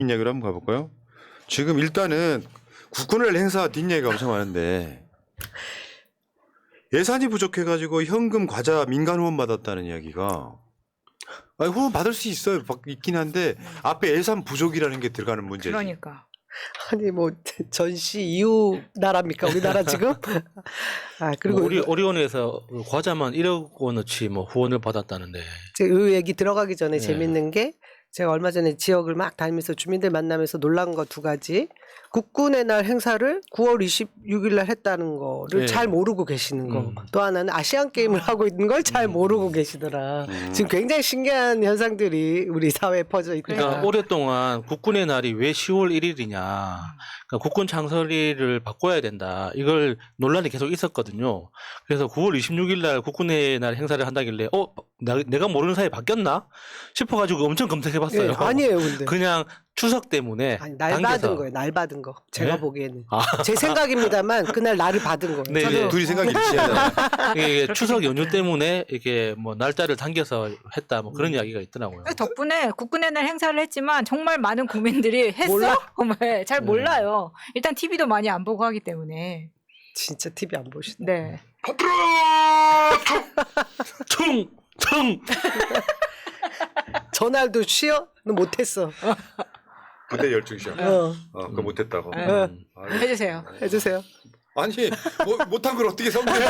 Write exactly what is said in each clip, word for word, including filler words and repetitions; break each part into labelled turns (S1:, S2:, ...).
S1: 이야기로 한번 가볼까요? 지금 일단은 국군을 행사 뒷얘기가 엄청 많은데 예산이 부족해가지고 현금 과자 민간 후원 받았다는 이야기가 아니, 후원 받을 수 있어요. 있긴 한데 앞에 예산 부족이라는 게 들어가는 문제지.
S2: 그러니까.
S3: 아니 뭐 전시 이후 나라입니까 우리나라 지금? 아 그리고
S4: 뭐 오리, 오리온에서 과자만 일억 원어치 뭐 후원을 받았다는데.
S3: 제가 이 얘기 들어가기 전에
S4: 네.
S3: 재밌는 게 제가 얼마 전에 지역을 막 다니면서 주민들 만나면서 놀란 거 두 가지. 국군의 날 행사를 구월 이십육일 날 했다는 거를
S4: 네.
S3: 잘 모르고 계시는 거.
S4: 음.
S3: 또 하나는 아시안 게임을 하고 있는 걸 잘 모르고 계시더라.
S1: 음.
S3: 지금 굉장히 신기한 현상들이 우리 사회에 퍼져 있다.
S4: 그러니까
S2: 그러니까.
S4: 오랫동안 국군의 날이 왜 시월 일일이냐. 그러니까 국군 창설일을 바꿔야 된다. 이걸 논란이 계속 있었거든요. 그래서 구월 이십육일 날 국군의 날 행사를 한다길래 어 나, 내가 모르는 사이에 바뀌었나 싶어가지고 엄청 검색해봤어요.
S3: 예, 아니에요, 근데.
S4: 그냥 추석 때문에
S3: 아니, 날
S4: 당겨서.
S3: 받은 거예요. 날 받은 거. 제가
S4: 네?
S3: 보기에는.
S4: 아.
S3: 제 생각입니다만 그날 날을 받은 거예요.
S4: 네,
S3: 저도
S4: 네.
S1: 둘이 생각이 일치하잖아.
S4: 이게 추석 연휴 때문에 이게 뭐 날짜를 당겨서 했다 뭐
S3: 음.
S4: 그런 이야기가 있더라고요.
S2: 덕분에 국군의 날 행사를 했지만 정말 많은 국민들이 했어?
S3: 몰라?
S2: 네, 잘
S4: 음.
S2: 몰라요. 일단 티비도 많이 안 보고 하기 때문에.
S3: 진짜 티비 안 보시네.
S2: 네.
S4: 퉁! 퉁!
S3: 전날도 쉬어? 너 못했어.
S1: 부대 열중 시험.
S3: 어,
S1: 어, 그거 못했다고.
S2: 네.
S3: 어.
S4: 음.
S1: 아유,
S2: 해주세요.
S3: 해주세요.
S1: 아니 뭐, 못한 걸 어떻게 선물해?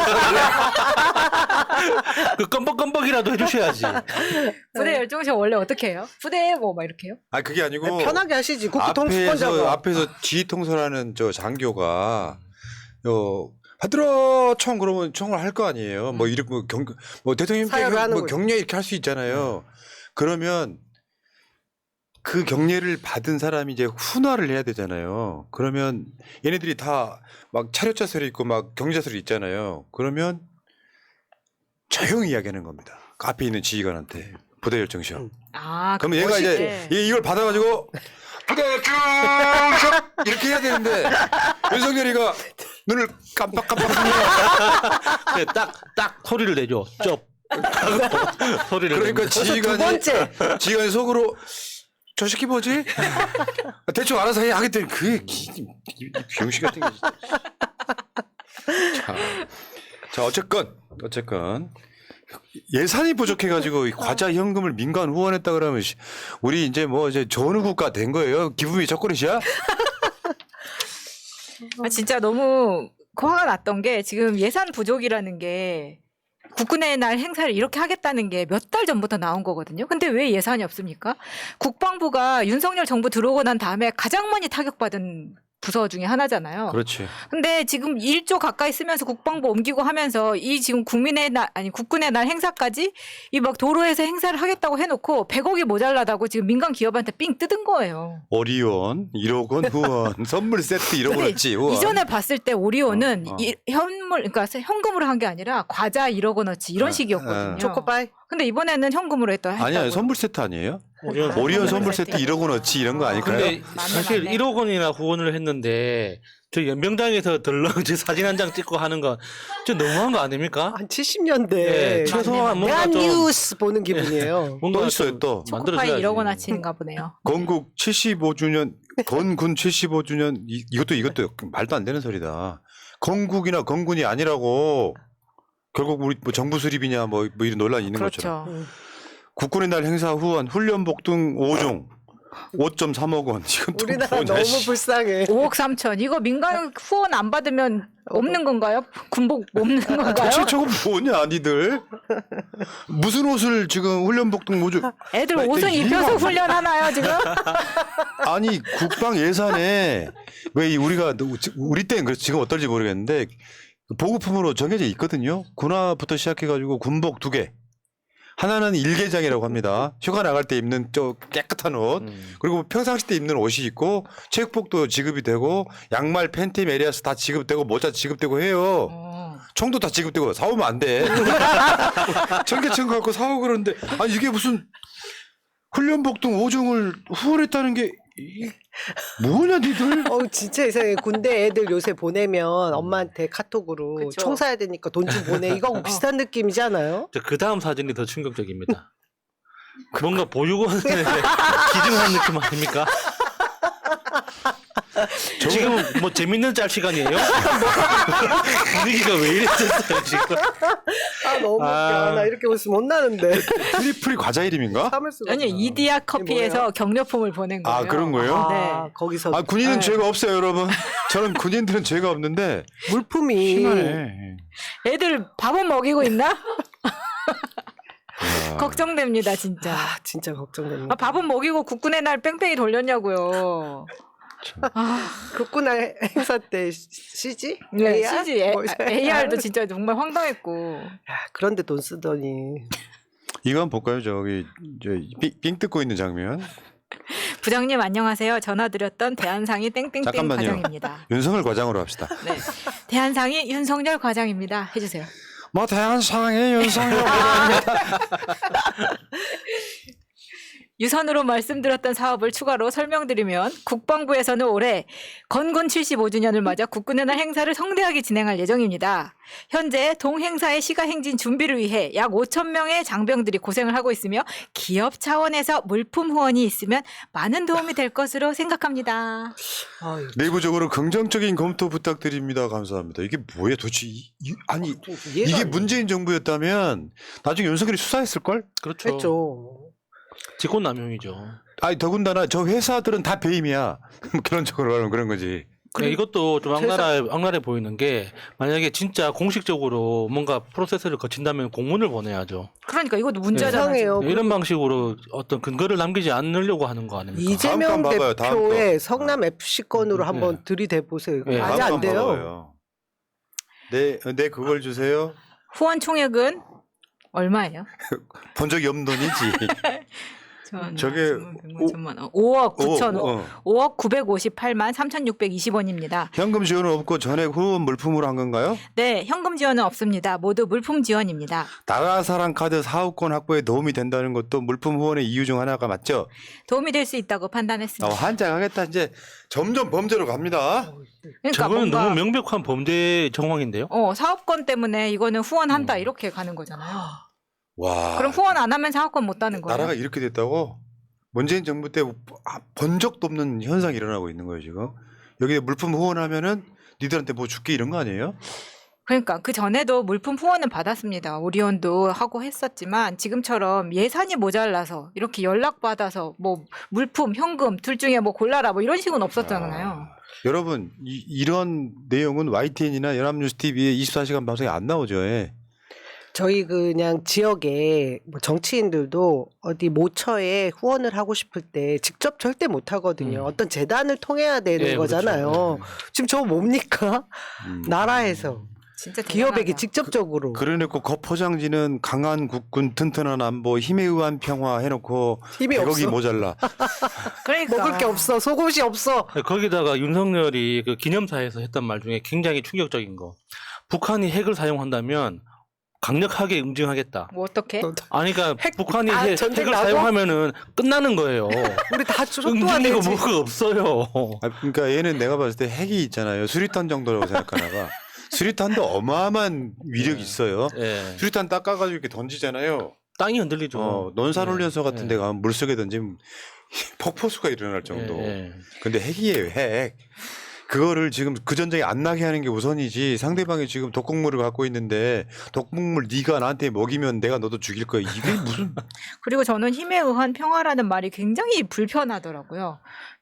S4: 그 껌뻑껌뻑이라도 해주셔야지.
S2: 부대 열중시 원래 어떻게 해요? 부대 뭐 막 이렇게 해요?
S1: 아 그게 아니고
S3: 아니, 편하게 하시지. 국부
S1: 앞에서
S3: 통수권자가.
S1: 앞에서 지휘 통솔하는 저 장교가 요 받들어 총 그러면 총을 할 거 아니에요. 뭐 이렇게 뭐 경 뭐 대통령께
S3: 사열을 하는
S1: 뭐
S3: 거지.
S1: 경례 이렇게 할 수 있잖아요. 그러면 그 경례를 받은 사람이 이제 훈화를 해야 되잖아요. 그러면 얘네들이 다 막 차렷자설이 있고 막 경자설이 있잖아요. 그러면 조용히 이야기하는 겁니다. 그 앞에 있는 지휘관한테 부대 열정 시험.
S2: 아,
S1: 그럼 얘가
S2: 멋있게.
S1: 이제 얘 이걸 받아가지고 부대 열정 시험 이렇게 해야 되는데 윤석열이가 눈을 깜빡깜빡하면
S4: 딱, 딱 소리를 내줘. 쩝. 소리를
S1: 그러니까
S4: 내면서.
S3: 두
S1: 지휘관이
S3: 번째.
S1: 지휘관이 속으로 저 새끼 뭐지? 대충 알아서 해 하겠더니 그게 기- 이- 이 병신 같은 게 진짜. 자, 자 어쨌건 어쨌건 예산이 부족해가지고 이 과자 현금을 민간 후원했다 그러면 씨, 우리 이제 뭐 이제 좋은 국가 된 거예요? 기분이 첫그릇이야?
S2: 아, 진짜 너무 화가 났던 게 지금 예산 부족이라는 게 국군의 날 행사를 이렇게 하겠다는 게 몇 달 전부터 나온 거거든요. 근데 왜 예산이 없습니까? 국방부가 윤석열 정부 들어오고 난 다음에 가장 많이 타격받은 부서 중에 하나잖아요.
S1: 그렇지.
S2: 근데 지금 일조 가까이 쓰면서 국방부 옮기고 하면서 이 지금 국민의 날 아니 국군의 날 행사까지 이 막 도로에서 행사를 하겠다고 해놓고 백억이 모자라다고 지금 민간 기업한테 삥 뜯은 거예요.
S1: 오리온 일억 원 후원 선물 세트 이런 거
S2: 근데
S1: 했지 후원.
S2: 이전에 봤을 때 오리온은
S1: 어, 어.
S2: 이, 현물 그러니까 현금으로 한 게 아니라 과자 일억 원어치 이런
S1: 아,
S2: 식이었거든요.
S1: 아.
S3: 초코바이.
S2: 근데 이번에는 현금으로 했다.
S1: 아니야
S2: 했다고요.
S1: 선물 세트 아니에요?
S4: 오리온
S1: 오리온
S2: 선물
S1: 선물 세트
S2: 세트.
S1: 일억 원어치 이런 거 아닐까요?
S4: 근데
S2: 맞네,
S4: 사실
S2: 맞네.
S4: 일억 원이나 후원을 했는데 저 연병장에서 덜렁 제 사진 한 장 찍고 하는 건 좀 너무한 거 아닙니까?
S3: 한 칠십 년대.
S4: 네, 최소한 뭔가
S3: 대한
S4: 좀
S3: 뉴스 보는 기분이에요.
S4: 뭔가
S1: 또 있어요,
S4: 좀
S1: 또.
S2: 초코파이
S4: 만들어줘야지.
S2: 일억 원어치인가 보네요.
S1: 건국 칠십오 주년, 건군 칠십오 주년, 이, 이것도 이것도 말도 안 되는 소리다. 건국이나 건군이 아니라고 결국 우리 뭐 정부 수립이냐 뭐, 뭐 이런 논란이 있는 것처럼.
S2: 그렇죠.
S1: 국군의 날 행사 후원, 훈련복 등 오 종 오 점 삼억 원. 이건 또
S3: 우리나라
S1: 뭐냐,
S3: 너무
S1: 씨.
S3: 불쌍해.
S2: 오억 삼천 이거 민간 후원 안 받으면 없는 건가요? 군복 없는 건가요?
S1: 도대체 저거 뭐냐, 니들? 무슨 옷을 지금 훈련복 등 오 종.
S2: 애들
S1: 나
S2: 옷은
S1: 이거
S2: 입혀서
S1: 이거-
S2: 훈련하나요 지금?
S1: 아니, 국방 예산에 왜 이 우리가, 우리 때는 그래서 지금 어떨지 모르겠는데 보급품으로 정해져 있거든요. 군화부터 시작해가지고 군복 두 개. 하나는 일개장이라고 합니다. 휴가 나갈 때 입는 저 깨끗한 옷.
S4: 음.
S1: 그리고 평상시 때 입는 옷이 있고 체육복도 지급이 되고 양말, 팬티, 메리아스 다 지급되고 모자 지급되고 해요.
S2: 어.
S1: 총도 다 지급되고 사오면 안 돼. 청계천 갖고 사오고 그러는데 아니 이게 무슨 훈련복 등 오 종을 후원했다는 게 이- 뭐냐 니들?
S3: 어 진짜 이상해. 군대 애들 요새 보내면 엄마한테 카톡으로
S2: 그쵸.
S3: 총 사야 되니까 돈 좀 보내. 이거 비슷한 느낌이지 않아요?
S4: 그 다음 사진이 더 충격적입니다. 뭔가 보육원에 기증한 느낌 아닙니까? 지금 뭐 재밌는 짤 시간이에요? 분위기가 왜 이랬었어요 지금?
S3: 아 너무
S4: 아.
S3: 웃겨. 나 이렇게 웃으면 못 나는데.
S1: 트리플이 과자 이름인가?
S3: 참을 수가
S2: 아니요
S3: 없어.
S2: 이디야
S3: 이게
S2: 커피에서
S3: 뭐예요?
S2: 격려품을 보낸 거예요.
S1: 아 그런 거예요?
S3: 아,
S2: 네.
S3: 거기서
S1: 아 군인은
S2: 네.
S1: 죄가 없어요 여러분. 저는 군인들은 죄가 없는데
S3: 물품이
S1: 심하네.
S2: 애들 밥은 먹이고 있나?
S1: 야.
S2: 걱정됩니다 진짜.
S3: 아 진짜 걱정됩니다.
S2: 아, 밥은 먹이고 국군의 날 뺑뺑이 돌렸냐고요. 아,
S3: 국군날 행사 때 씨지?
S2: 네,
S3: 에이알?
S2: 씨지 에,
S3: 뭐,
S2: 에이알도 진짜 정말 황당했고.
S3: 야, 그런데 돈 쓰더니
S1: 이거 한번 볼까요? 저기 저 삥, 삥 뜯고 있는 장면.
S2: 부장님 안녕하세요. 전화드렸던 대한상이 땡땡땡
S1: 잠깐만요.
S2: 과장입니다.
S1: 윤석열 과장으로 합시다.
S2: 네, 대한상이 윤석열 과장입니다. 해주세요.
S1: 뭐 대한상의 윤석열
S2: 유선으로 말씀드렸던 사업을 추가로 설명드리면 국방부에서는 올해 건군 칠십오 주년을 맞아 국군의 날 행사를 성대하게 진행할 예정입니다. 현재 동행사의 시가행진 준비를 위해 약 오천 명의 장병들이 고생을 하고 있으며 기업 차원에서 물품 후원이 있으면 많은 도움이 될 것으로 생각합니다.
S3: 아유,
S1: 내부적으로 긍정적인 검토 부탁드립니다. 감사합니다. 이게 뭐야 도대체 이, 이- 아니
S3: 좀 이해가
S1: 이게
S3: 안
S1: 문재인 정부였다면 나중에 윤석열이 수사했을 걸?
S4: 그렇죠.
S3: 했죠.
S4: 직권남용이죠.
S1: 아니 더군다나 저 회사들은 다 배임이야. 결론적으로 하면 그런 거지.
S4: 그래, 이것도 좀 악랄해, 악랄해 보이는 게 만약에 진짜 공식적으로 뭔가 프로세스를 거친다면 공문을 보내야죠.
S2: 그러니까 이것도 문제잖아요.
S3: 이상해요.
S2: 지금.
S4: 이런 방식으로 어떤 근거를 남기지 않으려고 하는 거 아닙니까?
S3: 이재명
S1: 다음 건 봐봐요, 다음
S3: 대표의
S1: 거.
S3: 성남 에프씨 건으로
S4: 네.
S3: 한번 들이대 보세요.
S4: 네.
S3: 아직 안 돼요.
S1: 먹어요. 네, 네 그걸 주세요.
S2: 후원 총액은 얼마예요?
S1: 본 적이 없는 돈이지.
S2: 천,
S1: 저게
S2: 천만, 백만, 천만 원. 오억 구천
S1: 오, 어.
S2: 오억 구백오십팔만 삼천육백이십 원입니다.
S1: 현금 지원은 없고 전액 후원 물품으로 한 건가요?
S2: 네, 현금 지원은 없습니다. 모두 물품 지원입니다.
S1: 나라사랑 카드 사업권 확보에 도움이 된다는 것도 물품 후원의 이유 중 하나가 맞죠?
S2: 도움이 될 수 있다고
S1: 어,
S2: 판단했습니다.
S1: 한장하겠다 이제 점점 범죄로 갑니다.
S2: 그러니까
S4: 저거는
S2: 뭔가
S4: 너무 명백한 범죄 정황인데요.
S2: 어, 사업권 때문에 이거는 후원한다
S4: 음.
S2: 이렇게 가는 거잖아요.
S1: 와.
S2: 그럼 후원 안 하면 사업권 못 따는 거예요?
S1: 나라가 이렇게 됐다고? 문재인 정부 때 본 적도 없는 현상이 일어나고 있는 거예요 지금. 여기 물품 후원하면은 니들한테 뭐 줄게 이런 거 아니에요?
S2: 그러니까 그 전에도 물품 후원은 받았습니다. 오리온도 하고 했었지만 지금처럼 예산이 모자라서 이렇게 연락 받아서 뭐 물품, 현금 둘 중에 뭐 골라라 뭐 이런 식은 없었잖아요.
S1: 아, 여러분 이, 이런 내용은 와이티엔이나 연합뉴스 티비에 이십사 시간 방송에 안 나오죠. 예.
S3: 저희 그냥 지역에 뭐 정치인들도 어디 모처에 후원을 하고 싶을 때 직접 절대 못 하거든요.
S4: 음.
S3: 어떤 재단을 통해야 되는
S4: 예, 그렇죠.
S3: 거잖아요. 지금 저거 뭡니까?
S1: 음.
S3: 나라에서
S2: 진짜
S3: 기업에게
S2: 대단하다.
S3: 직접적으로
S1: 그래놓고 겉포장지는 강한 국군, 튼튼한 안보, 힘에 의한 평화 해놓고
S3: 힘이
S1: 백억이
S3: 없어.
S1: 모자라.
S2: 그러니까
S3: 먹을 게 없어. 속옷이 없어.
S4: 거기다가 윤석열이 그 기념사에서 했던 말 중에 굉장히 충격적인 거. 북한이 핵을 사용한다면 강력하게 응징하겠다.
S2: 뭐 어떻게?
S4: 아니 그러니까
S3: 핵-
S4: 북한이
S3: 아,
S4: 핵,
S3: 전쟁
S4: 핵을
S3: 나고?
S4: 사용하면은 끝나는 거예요.
S3: 우리 다 속도가
S4: 응징이고
S3: 되지.
S4: 뭐가 없어요.
S1: 아, 그러니까 얘는 내가 봤을 때 핵이 있잖아요. 수리탄 정도라고 생각하나 봐. 수리탄도 어마어마한 위력이 있어요.
S4: 예.
S1: 수리탄 닦아가지고 이렇게 던지잖아요.
S4: 땅이 흔들리죠.
S1: 어, 논산훈련소 같은
S4: 예.
S1: 데 가면 물속에 던지면 폭포수가 일어날 정도.
S4: 예, 예.
S1: 근데 핵이에요, 핵. 그거를 지금 그 전쟁이 안 나게 하는 게 우선이지. 상대방이 지금 독극물을 갖고 있는데 독극물 네가 나한테 먹이면 내가 너도 죽일 거야. 이게 무슨
S2: 그리고 저는 힘에 의한 평화라는 말이 굉장히 불편하더라고요.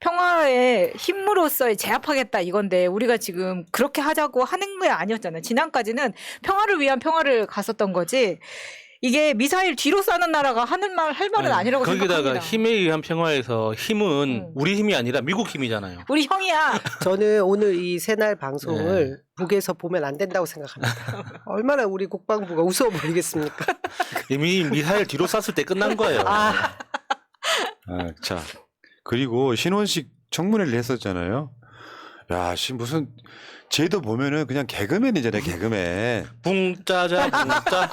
S2: 평화의 힘으로써 제압하겠다 이건데 우리가 지금 그렇게 하자고 하는 게 아니었잖아요. 지난까지는 평화를 위한 평화를 갔었던 거지. 이게 미사일 뒤로 쏘는 나라가 하는 말 할 말은 아니라고
S4: 거기다가
S2: 생각합니다.
S4: 힘에 의한 평화에서 힘은
S2: 음.
S4: 우리 힘이 아니라 미국 힘이잖아요.
S2: 우리 형이야.
S3: 저는 오늘 이 새날 방송을 북에서 보면 안 된다고 생각합니다. 얼마나 우리 국방부가 웃어버리겠습니까?
S4: 이미 미사일 뒤로 쐈을 때 끝난 거예요.
S3: 아,
S1: 아, 자. 그리고 신원식 청문회를 했었잖아요. 야, 씨 무슨 쟤도 보면은 그냥 개그맨이잖아요, 개그맨.
S4: 붕짜자 붕짜.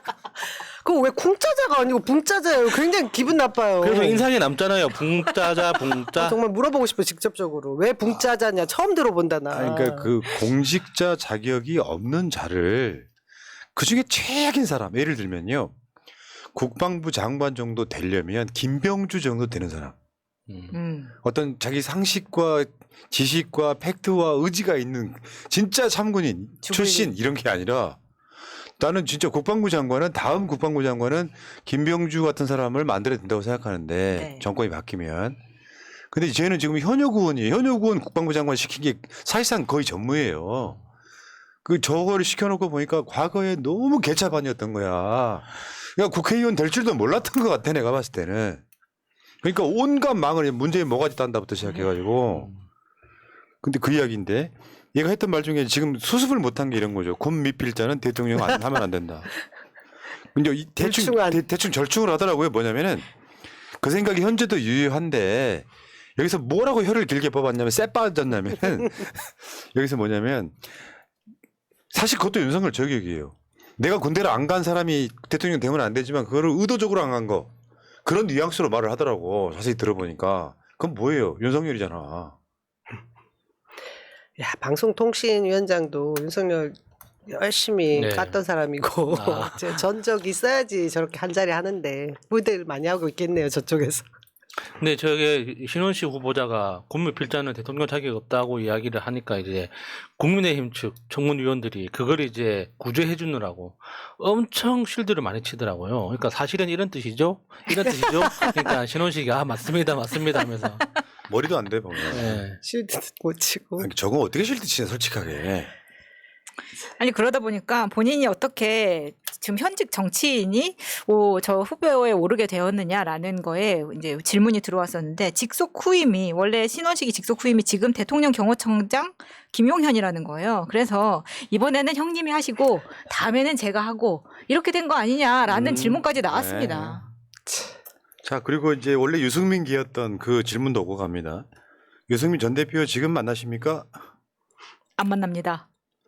S3: 그거 왜 쿵짜자가 아니고 붕짜자예요? 굉장히 기분 나빠요.
S4: 그래서 인상에 남잖아요. 붕짜자 붕짜.
S3: 아, 정말 물어보고 싶어 직접적으로 왜 붕짜자냐 처음 들어본다 나.
S1: 아, 그러니까 그 공직자 자격이 없는 자를 그 중에 최악인 사람, 예를 들면요. 국방부 장관 정도 되려면 김병주 정도 되는 사람.
S4: 음.
S2: 음.
S1: 어떤 자기 상식과 지식과 팩트와 의지가 있는 진짜 참군인 출신 이런 게 아니라 나는 진짜 국방부 장관은 다음 국방부 장관은 김병주 같은 사람을 만들어야 된다고 생각하는데
S2: 네.
S1: 정권이 바뀌면. 근데 쟤는 지금 현역 의원이에요. 현역 의원 국방부 장관 시킨 게 사실상 거의 전무예요. 그 저거를 시켜놓고 보니까 과거에 너무 개차반이었던 거야. 그러니까 국회의원 될 줄도 몰랐던 것 같아 내가 봤을 때는. 그러니까 온갖 망을 문재인 뭐가지 딴다부터 시작해가지고. 근데 그 이야기인데 얘가 했던 말 중에 지금 수습을 못한 게 이런 거죠. 군 미필자는 대통령 안 하면 안 된다. 근데 이 대충
S3: 절충안.
S1: 대, 대충 절충을 하더라고요. 뭐냐면은 그 생각이 현재도 유효한데 여기서 뭐라고 혀를 길게 뽑았냐면 쎄 빠졌냐면은 여기서 뭐냐면 사실 그것도 윤석열 저격이에요. 내가 군대를 안 간 사람이 대통령 되면 안 되지만 그거를 의도적으로 안 간 거. 그런 뉘앙스로 말을 하더라고. 자세히 들어보니까. 그건 뭐예요? 윤석열이잖아.
S3: 야, 방송통신위원장도 윤석열 열심히
S4: 네.
S3: 깠던 사람이고
S4: 아.
S3: 제 전적 있어야지 저렇게 한 자리 하는데 무대를 많이 하고 있겠네요 저쪽에서.
S4: 근데 저게 신원식 후보자가 국무필자는 대통령 자격이 없다고 이야기를 하니까 이제 국민의힘 측 청문위원들이 그걸 이제 구제해 주느라고 엄청 실드를 많이 치더라고요. 그러니까 사실은 이런 뜻이죠? 이런 뜻이죠? 그러니까 신원식이 아 맞습니다 맞습니다 하면서
S1: 머리도 안 돼 보면.
S4: 예.
S3: 실드 못 치고.
S1: 아니, 저거 어떻게 실드 치냐 솔직하게.
S2: 아니 그러다 보니까 본인이 어떻게 지금 현직 정치인이 오, 저 후보에 오르게 되었느냐라는 거에 이제 질문이 들어왔었는데 직속 후임이 원래 신원식이 직속 후임이 지금 대통령 경호청장 김용현이라는 거예요. 그래서 이번에는 형님이 하시고 다음에는 제가 하고 이렇게 된 거 아니냐라는
S1: 음,
S2: 질문까지 나왔습니다.
S1: 자 그리고 이제 원래 유승민 기였던 그 질문도 오고 갑니다. 유승민 전 대표 지금 만나십니까?
S2: 안 만납니다.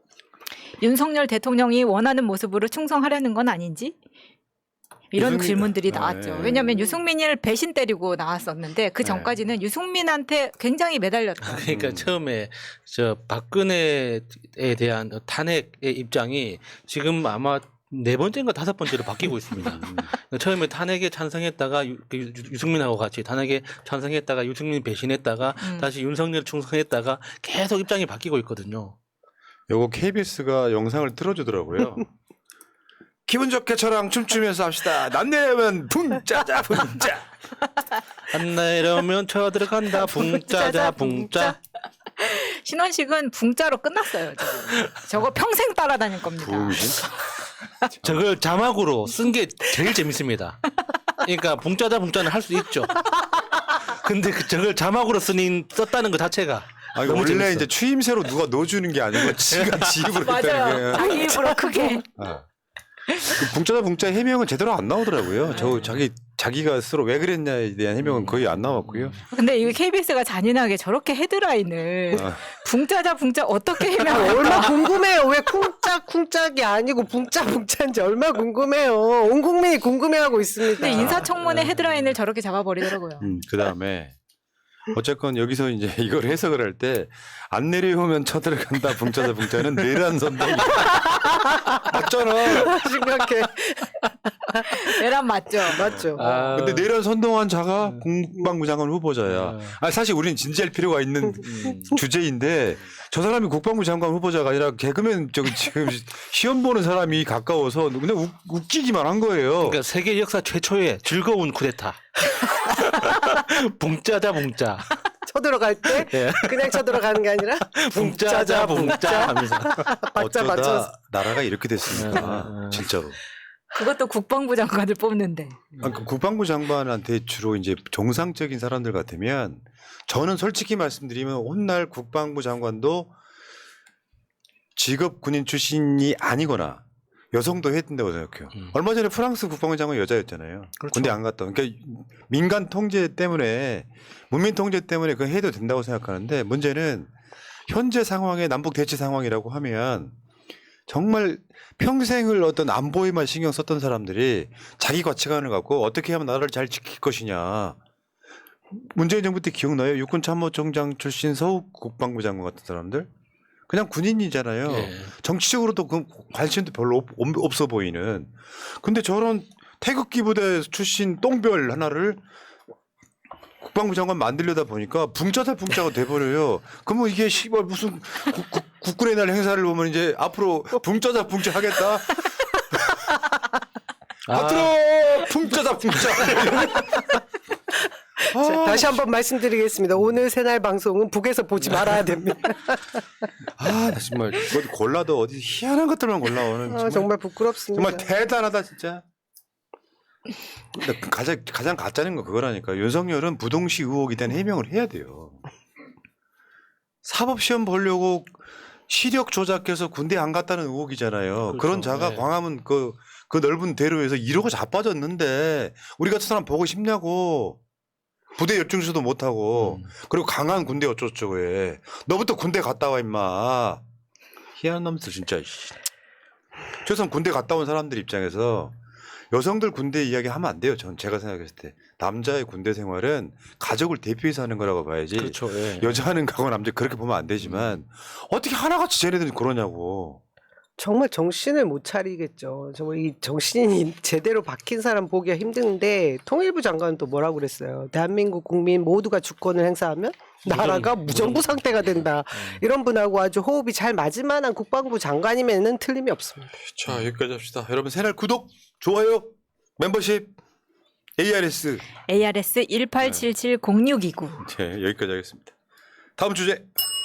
S2: 윤석열 대통령이 원하는 모습으로 충성하려는 건 아닌지 이런
S1: 유승민-
S2: 질문들이
S1: 아,
S2: 나왔죠.
S1: 예.
S2: 왜냐하면 유승민을 배신 때리고 나왔었는데 그 전까지는 유승민한테 굉장히 매달렸다.
S4: 그러니까
S1: 음.
S4: 처음에 저 박근혜에 대한 탄핵의 입장이 지금 아마 네 번째인가 다섯 번째로 바뀌고 있습니다. 처음에 탄핵에 찬성했다가 유, 유, 유승민하고 같이 탄핵에 찬성했다가 유승민 배신했다가
S2: 음.
S4: 다시 윤석열 충성했다가 계속 입장이 바뀌고 있거든요.
S1: 요거 케이비에스가 영상을 틀어주더라고요. 기분 좋게 저랑 춤추면서 합시다. 남 내려면 붕짜자 붕짜.
S4: 안 내려면 쳐 들어간다 붕짜자 붕짜.
S2: 신원식은 붕자로 끝났어요. 저거, 저거 평생 따라다닐 겁니다.
S1: 붕신?
S4: 저걸 자막으로 쓴 게 제일 재밌습니다. 그러니까 붕짜자 붕짜는 할 수 있죠. 근데 그 저걸 자막으로 쓰는 썼다는 것 자체가
S1: 아니,
S4: 너무
S1: 원래
S4: 재밌어.
S1: 이제 추임새로 누가 넣어주는 게 아니고 지가 지입으로 했다는
S2: 맞아요.
S1: 거예요.
S2: 자기 입으로 크게.
S1: 아. 그 붕짜자 붕짜 해명은 제대로 안 나오더라고요. 저 자기 자기가 스스로 왜 그랬냐에 대한 해명은 거의 안 나왔고요.
S2: 근데 이거 케이비에스가 잔인하게 저렇게 헤드라인을
S1: 아.
S2: 붕자자 붕자 어떻게
S3: 아,
S2: 해명할까?
S3: 얼마 궁금해요. 왜 쿵짝 쿵짝이 아니고 붕짜 붕짜인지 얼마 궁금해요. 온 국민이 궁금해하고 있습니다.
S2: 근데 인사청문회 헤드라인을 저렇게 잡아버리더라고요.
S1: 음, 그 다음에 어쨌건 여기서 이제 이걸 해석을 할 때 안 내려오면 쳐들어간다 붕짜자 붕짜는 내란 선동이 맞잖아.
S3: 심각해.
S2: 내란 맞죠?
S3: 맞죠.
S4: 아,
S1: 근데 내란 선동한 자가 국방부 장관 후보자야.
S4: 음.
S1: 아 사실 우리는 진지할 필요가 있는
S4: 음.
S1: 주제인데 저 사람이 국방부 장관 후보자가 아니라 개그맨 저기 지금 시험 보는 사람이 가까워서 그냥 웃, 웃기기만 한 거예요.
S4: 그러니까 세계 역사 최초의 즐거운 쿠데타. 붕짜자 붕짜.
S3: 쳐들어갈 때
S4: 예.
S3: 그냥 쳐들어가는 게 아니라
S4: 붕짜자 붕짜 하면서.
S3: 박자
S1: 어쩌다
S3: 맞춰서.
S1: 나라가 이렇게 됐습니까?
S4: 음.
S1: 진짜로.
S2: 그것도 국방부 장관을 뽑는데.
S1: 아, 그 국방부 장관한테 주로 이제 정상적인 사람들 같으면 저는 솔직히 말씀드리면 훗날 국방부 장관도 직업 군인 출신이 아니거나 여성도 해야 된다고 생각해요.
S4: 음.
S1: 얼마 전에 프랑스 국방부 장관 여자였잖아요.
S4: 그렇죠.
S1: 군대 안 갔다. 그러니까 민간 통제 때문에 문민 통제 때문에 그거 해도 된다고 생각하는데 문제는 현재 상황의 남북 대치 상황이라고 하면 정말 평생을 어떤 안보에만 신경 썼던 사람들이 자기 가치관을 갖고 어떻게 하면 나라를 잘 지킬 것이냐. 문재인 정부 때 기억나요? 육군참모총장 출신 서욱 국방부 장관 같은 사람들? 그냥 군인이잖아요.
S4: 예.
S1: 정치적으로도 그 관심도 별로 없, 없어 보이는. 근데 저런 태극기 부대 출신 똥별 하나를 국방부 장관 만들려다 보니까 붕짜다 붕짜가 돼버려요. 그러면 이게 씨발 무슨 국, 국, 국군의 날 행사를 보면 이제 앞으로 붕짜다 붕짜 하겠다.
S4: 아.
S1: 앞으로 붕짜다 붕짜.
S3: 자, 다시 한번 말씀드리겠습니다. 오늘 새날 방송은 북에서 보지 말아야 됩니다.
S1: 아, 나 정말 어디 골라도 어디 희한한 것들만 골라오는
S3: 아,
S1: 정말,
S3: 정말 부끄럽습니다.
S1: 정말 대단하다 진짜. 근데 가장 가장 가짜는 거 그거라니까. 윤석열은 부동시 의혹에 대한 해명을 해야 돼요. 사법 시험 보려고 시력 조작해서 군대 안 갔다는 의혹이잖아요.
S4: 그렇죠.
S1: 그런 자가
S4: 네.
S1: 광화문 그, 그 넓은 대로에서 이러고 자빠졌는데 우리 같은 사람 보고 싶냐고. 부대 열중수도 못하고
S4: 음.
S1: 그리고 강한 군대 어쩌고저쩌고 해. 너부터 군대 갔다 와 임마. 희한한 놈들 진짜. 최소한 군대 갔다 온 사람들 입장에서 여성들 군대 이야기 하면 안 돼요. 전 제가 생각했을 때 남자의 군대 생활은 가족을 대표해서 하는 거라고 봐야지.
S4: 그렇죠. 예.
S1: 여자는 가고 남자 그렇게 보면 안 되지만 어떻게 하나같이 쟤네들이 그러냐고.
S3: 정말 정신을 못 차리겠죠. 정말 이 정신이 제대로 박힌 사람 보기가 힘든데 통일부 장관은 또 뭐라고 그랬어요. 대한민국 국민 모두가 주권을 행사하면 나라가 무정부 상태가 된다. 이런 분하고 아주 호흡이 잘 맞을 만한 국방부 장관이면은 틀림이 없습니다.
S1: 자 여기까지 합시다. 여러분 새날 구독, 좋아요, 멤버십, 에이아르에스.
S2: 에이아르에스 일팔칠칠 공육이구.
S1: 네, 여기까지 하겠습니다. 다음 주제.